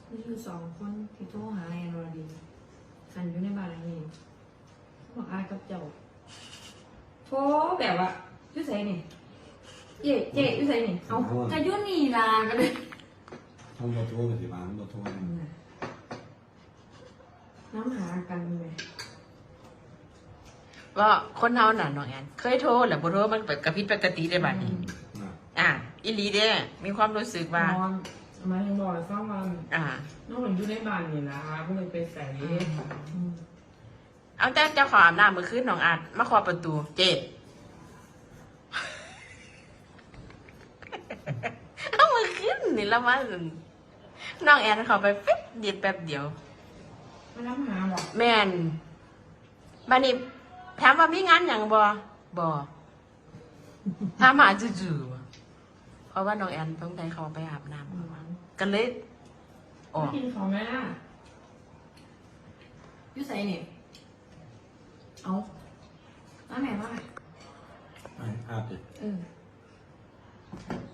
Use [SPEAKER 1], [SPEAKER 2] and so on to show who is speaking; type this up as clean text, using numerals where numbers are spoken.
[SPEAKER 1] นี่คือ2 คนที่โทรหาแอนวรดีหันอยู่ในบ้านหลังนี้บอกอายกับเจ้าโทรแบบว่ายุ่ใส่นี่เจ๊ยุ่ใส่นี่เอาจะยุ่นี่ลากันเลย
[SPEAKER 2] ห้องบอโทรกับสิบ้านบอโทร
[SPEAKER 1] น้ำหากันไหม
[SPEAKER 3] ก็คนเฮาน่ะน้องแอนเคยโทรแหละบ่โทรมันกระพริบปกติได้บัดนี้อีหลีเด้มีความรู้สึกว่า
[SPEAKER 1] มาถึงบอกฟังว่าน้องเหมือนอยู่ในบ้านนี่นะก็เลยไปใส่
[SPEAKER 3] เอาแต่เจ้าของอาบน้ำมื้อคืนน้องอาจมาเคาะประตูเจ๊เอามื้อคืนนี่ละมาน้องแอนเข้าไปปิ๊บเดียวแป๊บเดียว
[SPEAKER 1] มาน้ำหาบอก
[SPEAKER 3] แม่นบัดนี้ถามว่ามีงานหยังบ่ถามหาจู่ๆเพราะว่าน้องแอนต้องได้เขาไปอาบน้ำกันเลยออก
[SPEAKER 1] กินของแม่ยุ่ใส่นี่เอาน้ำแม่ว่า
[SPEAKER 2] อาบดิ